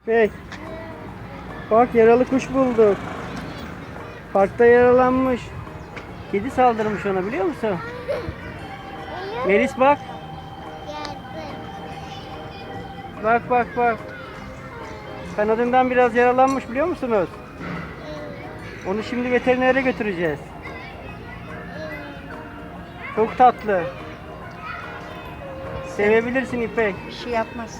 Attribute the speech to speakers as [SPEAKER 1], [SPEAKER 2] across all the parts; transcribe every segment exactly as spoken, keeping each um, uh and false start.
[SPEAKER 1] Bey, bak yaralı kuş bulduk. Parkta yaralanmış. Kedi saldırmış ona, biliyor musun? Melis bak. Bak bak bak. Kanadından biraz yaralanmış, biliyor musunuz? Onu şimdi veterinere götüreceğiz. Çok tatlı. Sevebilirsin İpek.
[SPEAKER 2] Bir şey yapmaz.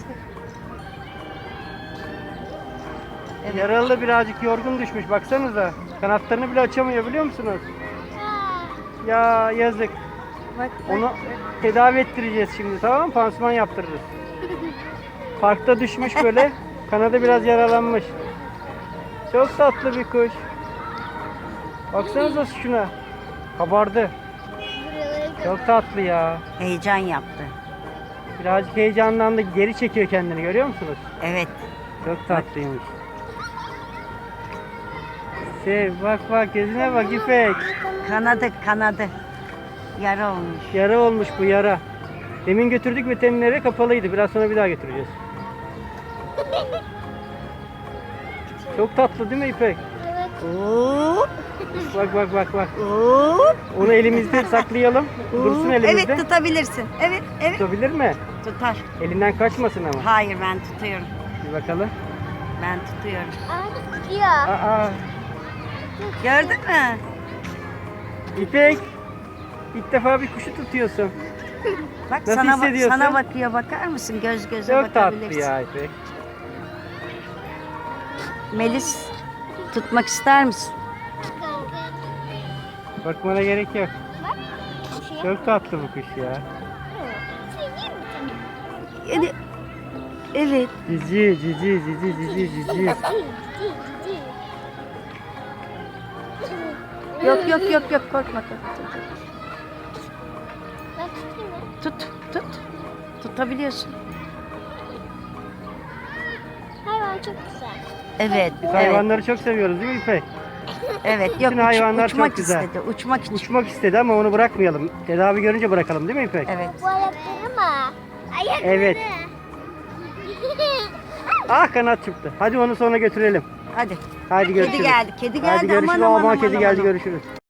[SPEAKER 2] Evet.
[SPEAKER 1] Yaralı, birazcık yorgun düşmüş, baksanıza. Kanatlarını bile açamıyor, biliyor musunuz? Ya yazık.
[SPEAKER 2] Bak, bak.
[SPEAKER 1] Onu tedavi ettireceğiz şimdi, tamam mı? Pansuman yaptırırız. Parkta düşmüş böyle. Kanadı biraz yaralanmış. Çok tatlı bir kuş. Baksanıza şuna. Kabardı. Çok tatlı ya.
[SPEAKER 2] Heyecan yaptı.
[SPEAKER 1] Birazcık heyecanlandı. Geri çekiyor kendini, görüyor musunuz?
[SPEAKER 2] Evet.
[SPEAKER 1] Çok tatlıymış. Sev, bak bak, gözüne bak İpek.
[SPEAKER 2] Kanadı kanadı. Yara olmuş.
[SPEAKER 1] Yara olmuş bu, yara. Demin götürdük veterinere, kapalıydı. Biraz sonra bir daha götüreceğiz. Çok tatlı değil mi İpek?
[SPEAKER 2] Hop,
[SPEAKER 1] Bak bak bak bak.
[SPEAKER 2] hop.
[SPEAKER 1] Onu elimizde saklayalım. Dursun elimizde.
[SPEAKER 2] Evet, tutabilirsin. Evet, evet.
[SPEAKER 1] Tutabilir mi?
[SPEAKER 2] Tutar.
[SPEAKER 1] Elinden kaçmasın ama.
[SPEAKER 2] Hayır, ben tutuyorum.
[SPEAKER 1] Bir bakalım.
[SPEAKER 2] Ben tutuyorum.
[SPEAKER 3] Aa, tutuyor.
[SPEAKER 1] Aa,
[SPEAKER 2] Gördün mü?
[SPEAKER 1] İpek. İlk defa bir kuşu tutuyorsun.
[SPEAKER 2] Bak,
[SPEAKER 1] Nasıl
[SPEAKER 2] sana bak,
[SPEAKER 1] hissediyorsun?
[SPEAKER 2] sana bakıyor, bakar mısın? Göz göze
[SPEAKER 1] Çok tatlı
[SPEAKER 2] bakabilirsin.
[SPEAKER 1] ya İpek.
[SPEAKER 2] Melis, tutmak ister misin?
[SPEAKER 1] Bakmana gerek yok.
[SPEAKER 3] Bak. Bir şey
[SPEAKER 1] Çok tatlı bu kuş ya.
[SPEAKER 2] Yani, evet.
[SPEAKER 1] Cici cici cici cici cici.
[SPEAKER 2] Yok yok yok yok, korkma korkma.
[SPEAKER 3] Ben tutayım mı?
[SPEAKER 2] Tut, tut. Tutabiliyorsun.
[SPEAKER 3] Hayvan çok güzel.
[SPEAKER 2] Evet,
[SPEAKER 1] Biz
[SPEAKER 2] evet,
[SPEAKER 1] hayvanları çok seviyoruz değil mi İpek?
[SPEAKER 2] evet. Yok,
[SPEAKER 1] Bütün
[SPEAKER 2] uç-
[SPEAKER 1] hayvanlar
[SPEAKER 2] uçmak
[SPEAKER 1] çok güzel.
[SPEAKER 2] istedi, uçmak için.
[SPEAKER 1] Uçmak istedi ama onu bırakmayalım. Tedavi görünce bırakalım değil mi İpek?
[SPEAKER 2] Evet.
[SPEAKER 3] Bu ayakları mı? Ayakları.
[SPEAKER 1] Evet. Ah, kanat çıktı. Hadi onu sonra götürelim.
[SPEAKER 2] Hadi.
[SPEAKER 1] Hadi görüşürüz.
[SPEAKER 2] Kedi geldi, kedi geldi.
[SPEAKER 1] Hadi görüşürüz.
[SPEAKER 2] Aman, aman,
[SPEAKER 1] Aman,
[SPEAKER 2] aman,
[SPEAKER 1] kedi
[SPEAKER 2] aman,
[SPEAKER 1] geldi,
[SPEAKER 2] aman.
[SPEAKER 1] görüşürüz.